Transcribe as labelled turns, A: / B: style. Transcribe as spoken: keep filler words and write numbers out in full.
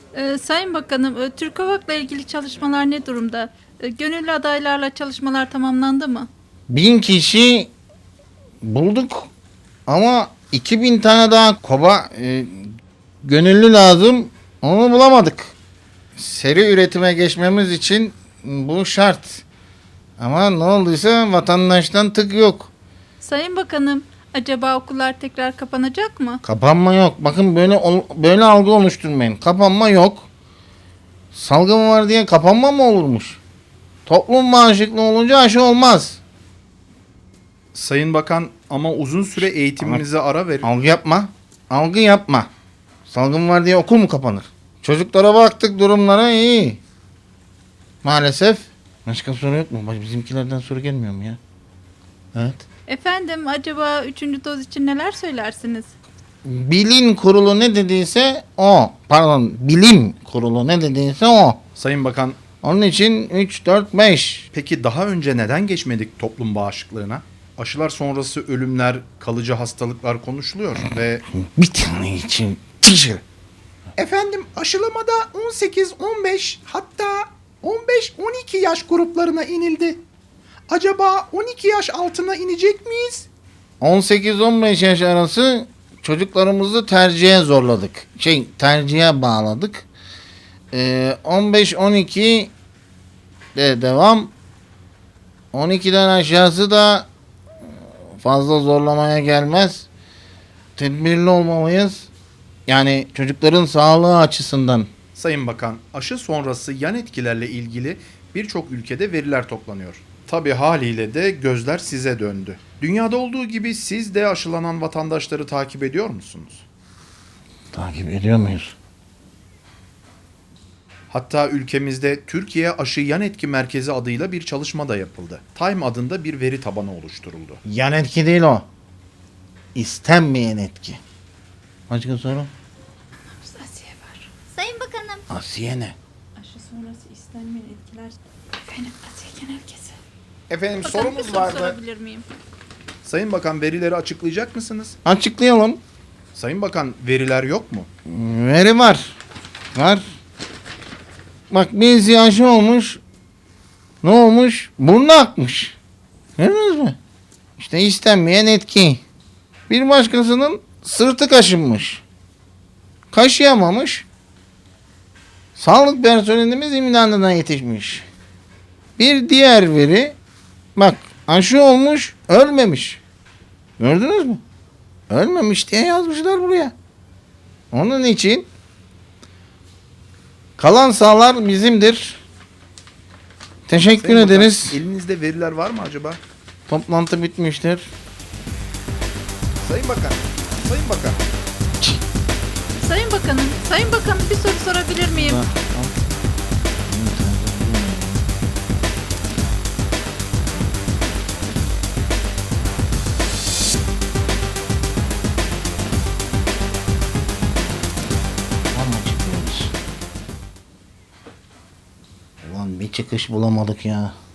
A: Ee, Sayın Bakanım, e, Türk Havak'la ilgili çalışmalar ne durumda? E, gönüllü adaylarla çalışmalar tamamlandı mı?
B: Bin kişi bulduk ama iki bin tane daha koba e, gönüllü lazım. Onu bulamadık. Seri üretime geçmemiz için bu şart. Ama ne olduysa vatandaştan tık yok.
A: Sayın Bakanım, acaba okullar tekrar kapanacak mı?
B: Kapanma yok. Bakın böyle ol- böyle algı oluşturmayın. Kapanma yok. Salgın var diye kapanma mı olurmuş? Toplum bağışıklığı olunca aşı olmaz.
C: Sayın Bakan ama uzun süre eğitimimize ara verin.
B: Algı yapma. Algı yapma. Salgın var diye okul mu kapanır? Çocuklara baktık, durumlara iyi. Maalesef. Başka soru yok mu? Bak, bizimkilerden soru gelmiyor mu ya? Evet.
A: Efendim, acaba üçüncü doz için neler söylersiniz?
B: Bilim kurulu ne dediyse o. Pardon, bilim kurulu ne dediyse o.
C: Sayın Bakan,
B: Onun için üç, dört, beş.
C: peki daha önce neden geçmedik toplum bağışıklığına? Aşılar sonrası ölümler, kalıcı hastalıklar konuşuluyor ve...
B: Bir tane için tişir.
D: Efendim aşılamada on sekiz on beş hatta on beş on iki yaş gruplarına inildi. Acaba on iki yaş altına inecek miyiz?
B: on sekiz on beş yaş arası çocuklarımızı tercihe zorladık. Şey, tercihe bağladık. Ee, on beş on iki de devam. on ikiden aşağısı da fazla zorlamaya gelmez. Tedbirli olmalıyız. Yani çocukların sağlığı açısından.
C: Sayın Bakan, aşı sonrası yan etkilerle ilgili birçok ülkede veriler toplanıyor. Tabii haliyle de gözler size döndü. Dünyada olduğu gibi siz de aşılanan vatandaşları takip ediyor musunuz?
B: Takip ediyor muyuz?
C: Hatta ülkemizde Türkiye Aşı Yan Etki Merkezi adıyla bir çalışma da yapıldı. Time adında bir veri tabanı oluşturuldu.
B: Yan etki değil o. İstenmeyen etki. Başka soru?
A: Asiye var.
E: Sayın Bakanım,
B: Asiye ne?
A: Aşı sonrası istenmeyen etkiler. Efendim, Asiye genel kesi.
B: Efendim
A: Bakanım, bir
B: sorumuz
A: soru
B: vardı.
A: sorabilir miyim?
C: Sayın Bakan, verileri açıklayacak mısınız?
B: Açıklayalım.
C: Sayın Bakan, veriler yok mu?
B: Veri var. Var. Bak, birisi aşı olmuş. Ne olmuş? Burnu akmış. Gördünüz mü? İşte istenmeyen etki. Bir başkasının sırtı kaşınmış. Kaşıyamamış. Sağlık personelimiz imdadına yetişmiş. Bir diğer veri, bak, aşı olmuş, ölmemiş. Gördünüz mü? Ölmemiş diye yazmışlar buraya. Onun için kalan sağlar bizimdir. Teşekkür
C: Sayın Bakan,
B: ederiz.
C: elinizde veriler var mı acaba?
B: Toplantı bitmiştir.
C: Sayın Bakan, Sayın Bakan.
A: Sayın Bakanım, Sayın Bakanım bir soru sorabilir miyim?
B: Ama çıkıyoruz. Ulan bir çıkış bulamadık ya.